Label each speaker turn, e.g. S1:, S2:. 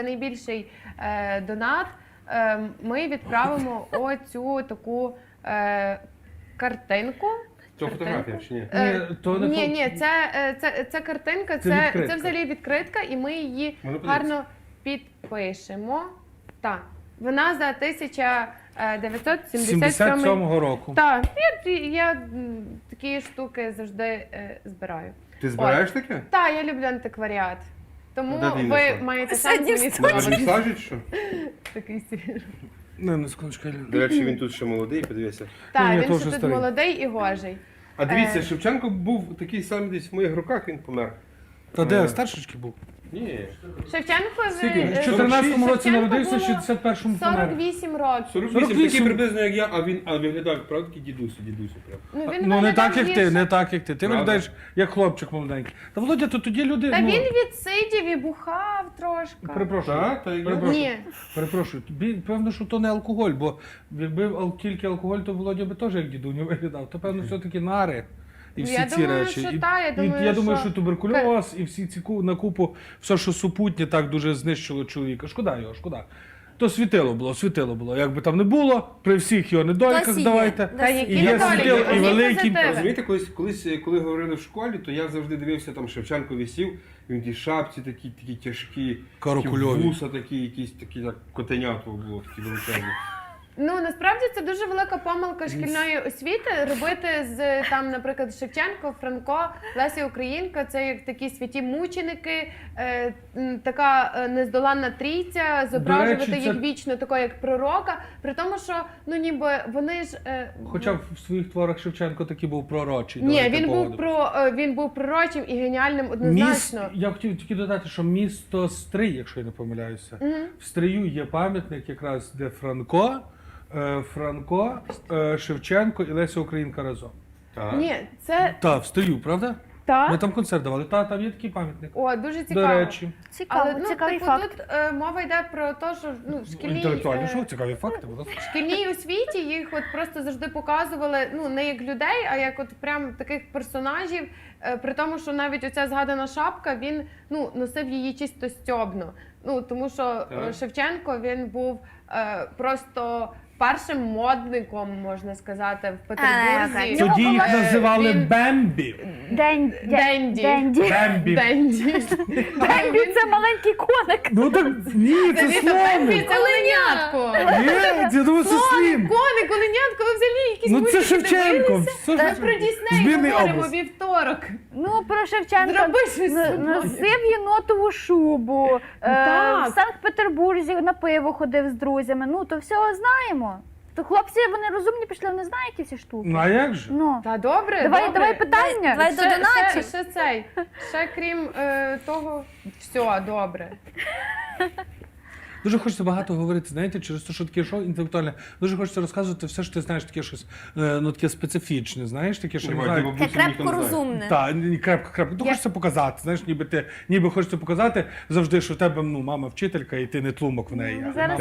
S1: Найбільший донат ми відправимо оцю таку
S2: картинку. Це фотографія чи ні?
S1: Ні, це картинка, це взагалі відкритка, і ми її гарно підпишемо. Так, вона за 1977
S3: року.
S1: Так, я такі штуки завжди збираю.
S2: Ти збираєш таке?
S1: Так, я люблю антикваріат. Тому ви маєте шанс мені
S2: скажуть, що?
S1: Такий свіжий.
S3: Не, секундочку.
S2: До речі, він тут ще молодий, подивися.
S1: Так, він ще тут молодий і гожий.
S2: А дивіться, Шевченко був такий самий десь в моїх руках, він помер.
S3: Та де, старшечки був?
S2: Ні.
S1: Шевченко
S3: в 14-му році народився, в 61-му помер.
S1: 48 років.
S2: 48, такий приблизно як я, а виглядав, правда, такий дідусю прям.
S3: Ну не так, як ти, не так, як ти. Ти виглядаєш як хлопчик молоденький. Та, Володя, то тоді люди...
S1: Та він відсидів і бухав трошки.
S3: Перепрошую.
S1: Ні.
S3: Перепрошую. Певно, що то не алкоголь, бо якби тільки алкоголь, то Володя би теж як дідуню виглядав. То, певно, все-таки нари. І всі ці речі. Я думаю, що туберкульоз і всі ці на купу, все, що супутнє, так дуже знищило чоловіка. Шкода його, шкода. То світило було. Якби там не було, при всіх його недоліках давайте.
S1: І є світило,
S3: і великий.
S2: Розумієте, коли говорили в школі, то я завжди дивився, там Шевченко висів, він ті шапці такі тяжкі, вуса такі, якісь такі, як котенятко було, такі величезні.
S1: Ну, насправді це дуже велика помилка шкільної освіти робити з, там, наприклад, Шевченко, Франко, Леся Українка, це як такі святі мученики, така нездоланна трійця, зображувати їх вічно такого як пророка, при тому, що, ну, ніби вони ж...
S3: Хоча в своїх творах Шевченко таки був пророчий.
S1: Ні, він був пророчим і геніальним однозначно.
S3: Я хотів тільки додати, що місто Стрий, якщо я не помиляюся, в Стрию є пам'ятник якраз, де Франко, Шевченко і Леся Українка разом.
S1: Ні, це...
S3: Так, в Стрию, правда?
S1: Так.
S3: Ми там концерт давали. Там є такий пам'ятник.
S1: О, дуже цікаво.
S3: До речі.
S1: Але,
S4: цікавий факт.
S1: Тут мова йде про те, що
S3: Інтелектуальні, що цікаві факти.
S1: В шкільній освіті їх от просто завжди показували, ну, не як людей, а як от прям таких персонажів, при тому, що навіть оця згадана шапка, він, ну, носив її чисто стьобно. Ну, тому що Шевченко, він був просто першим модником, можна сказати, в Петербурзі.
S3: Тоді їх називали Бембі.
S1: Денді.
S4: Бембі – це маленький коник.
S3: Ну так, ні, це слоник.
S1: Це оленятко.
S3: Ні, я думаю, це слін.
S1: Коник, оленятко, ви взагалі якісь
S3: Ну це Шевченко.
S1: Та про Дісней говоримо вівторок.
S4: Ну, про Шевченка
S1: Зроби щось.
S4: носив єнотову шубу, в Санкт-Петербурзі на пиво ходив з друзями, ну, то всього знаємо. То хлопці, вони розумні пішли, вони знають ці всі штуки.
S3: Ну, а як же?
S4: Ну.
S1: Та добре,
S4: Давай питання.
S1: Давай до донатів. Ще крім того, все, добре.
S3: Дуже хочеться багато говорити, знаєте, через те, що таке шоу інтелектуальне. Дуже хочеться розказувати все, що ти знаєш, таке щось, ну, таке специфічне, знаєш, таке, що не знаю.
S5: Таке крепко розумне.
S3: Так, крепко. Ну, хочеться показати, знаєш, ніби хочеться показати завжди, що в тебе, ну, мама вчителька, і ти не тлумок в неї.